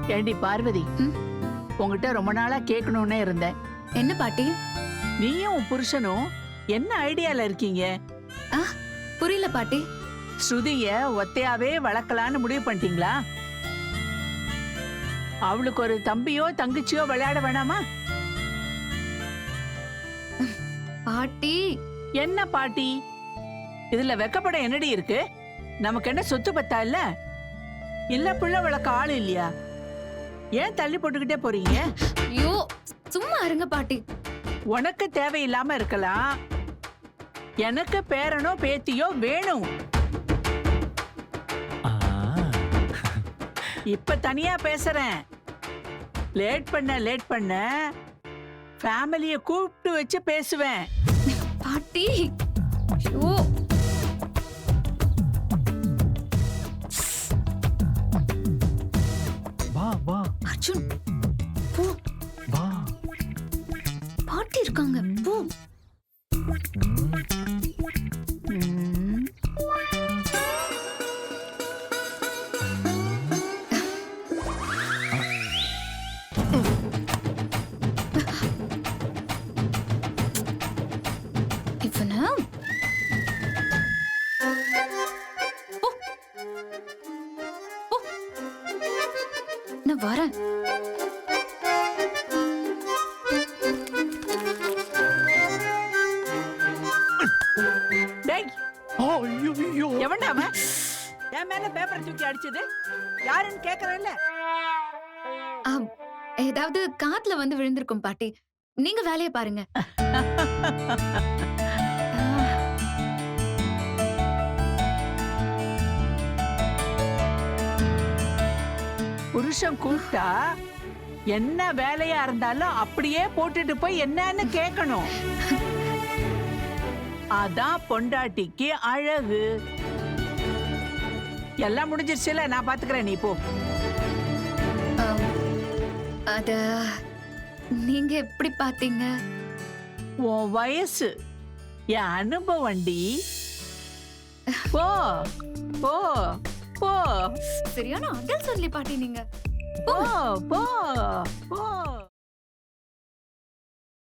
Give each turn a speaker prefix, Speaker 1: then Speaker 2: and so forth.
Speaker 1: ஏண்டி பார்வதி, உங்ககிட்ட ரொம்ப நாளா கேட்கணும்னே இருந்தேன்.
Speaker 2: என்ன பாட்டி?
Speaker 1: நீயும் உன் புருஷனும் என்ன ஐடியால இருக்கீங்க?
Speaker 2: புரியல பாட்டி.
Speaker 1: ஸ்ருதிய ஒத்தையாவே வளர்க்கலான்னு முடிவு பண்ணிட்டீங்களா? அவளுக்கு ஒரு தம்பியோ தங்கச்சியோ விளையாட வேணாமா?
Speaker 2: பாட்டி.
Speaker 1: என்ன பாட்டி? இதுல வெக்கப்பட என்னடி இருக்கு? நமக்கு என்ன சொத்து பத்தா இல்ல? இல்ல பிள்ளை வளர்க்க ஆள் இல்லையா? ஏன் தள்ளி போட்டுக்கிட்டே போறீங்க?
Speaker 2: ஐயோ சும்மா இருங்க பாட்டி.
Speaker 1: உனக்கு தேவையில்லாம இருக்கலாம், எனக்கு பேரனோ பேத்தியோ வேணும். இப்ப தனியா பேசுறேன். லேட் பண்ண ஃபேமிலிய கூப்பிட்டு வச்சு பேசுவேன்.
Speaker 2: பாட்டி ஐயோ
Speaker 3: வா வா
Speaker 2: அர்ஜுன் போ.
Speaker 3: வா.
Speaker 2: பாட்டி இருக்காங்க போ. இவனா நான் வரேன்.
Speaker 1: டேய்,
Speaker 3: ஐயோ
Speaker 1: எவன்டா அவன்? என் மேல பேப்பர் தூக்கி அடிச்சது யாருன்னு கேக்குறேன்ல.
Speaker 2: ஏதாவது காத்துல வந்து விழுந்திருக்கும் பாட்டி. நீங்க வேலைய பாருங்க.
Speaker 1: புருஷன் கூப்பிட்டா என்ன வேலையா இருந்தாலும் அப்படியே போட்டுட்டு போய் என்னன்னு கேட்கணும். அதான் பொண்டாட்டிக்கு அழகு. எல்லாம் முடிஞ்சிருச்சுல, நான் பாத்துக்கிறேன், நீ போ.
Speaker 2: அத நீங்க எப்படி பாத்தீங்க?
Speaker 1: உன் வயசு என் அனுபவண்டி. போ போ போ.
Speaker 2: சரியான அடல் சொல்லி பாட்டி நீங்க.
Speaker 1: போ போ போ.